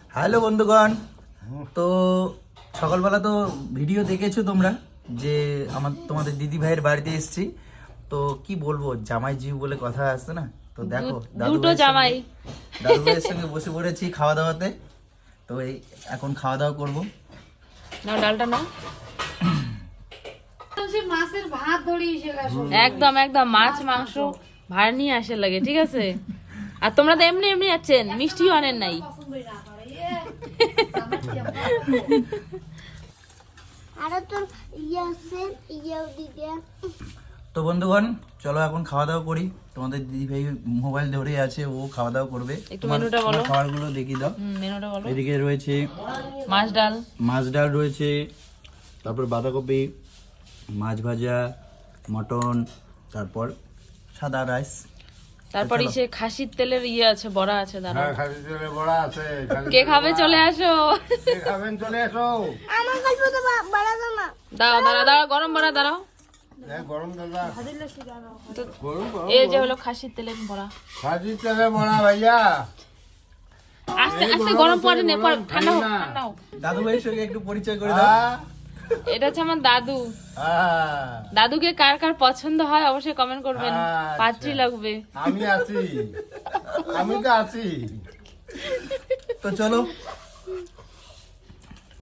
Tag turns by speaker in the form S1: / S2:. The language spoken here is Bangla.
S1: হ্যালো বন্ধুগণ, তো সকালবেলা তো ভিডিও দেখেছো তোমরা যে তোমাদের দিদি ভাইয়ের বাড়িতে এসেছি। তো কি বলবো, জামাই জিউ বলে কথা আসছে না, তো দেখো
S2: দুটো জামাই
S1: দাদু ভাইয়ের সঙ্গে বসে পড়েছি খাওয়া দাওয়াতে। তো এই এখন খাওয়া দাওয়া করবো।
S2: নাও ডালটা নাও।
S3: মাছের ভাত ধরিয়ে
S2: একদম একদম মাছ মাংস ভাড় নিয়ে আসে লাগে, ঠিক আছে? আর তোমরা তো এমনি এমনি আছেন, মিষ্টিও আনেন নাই।
S1: তো বন্ধুগণ চলো এখন খাওয়া দাওয়া করি। তোমাদের দিদি ভাই মোবাইল ধরে আছে, ও খাওয়া দাওয়া করবে।
S2: একটু মেনুটা বলো।
S1: খাবারগুলো দেখিয়ে দাও।
S2: মেনুটা বলো।
S1: এদিকে রয়েছে
S2: মাছ
S1: ডাল রয়েছে, তারপর বাঁধাকপি, মাছ ভাজা, মটন, তারপর সাদা রাইস,
S2: তারপর সে খাসির তেলের আছে, বড়া আছে। দাঁড়াও,
S4: হ্যাঁ, খাসির তেলের বড়া আছে।
S2: কে খাবে চলে আসো।
S4: কে খাবেন চলে আসো।
S3: আমার গল্প তো বড় না
S2: দাঁড়াও গরম বড়া দাঁড়াও।
S4: গরম দাদা,
S2: তো
S4: গরম গরম
S2: এই যে হলো খাসির তেলের বড়া।
S4: খাসির তেলের বড়া ভাইয়া।
S2: আস্তে আস্তে গরম পড়ে নে, পর ঠান্ডা হোক, ঠান্ডা হোক।
S1: দাদু ভাইয়ের সঙ্গে একটু পরিচয় করে দাও।
S2: এটা হচ্ছে আমার দাদু।
S4: হ্যাঁ,
S2: দাদুকে কার কার পছন্দ হয় অবশ্যই কমেন্ট করবেন।
S4: আচ্ছা।
S2: পাত্রী লাগবে।
S4: আমি আছি, আমি তো আছি।
S1: তো চলো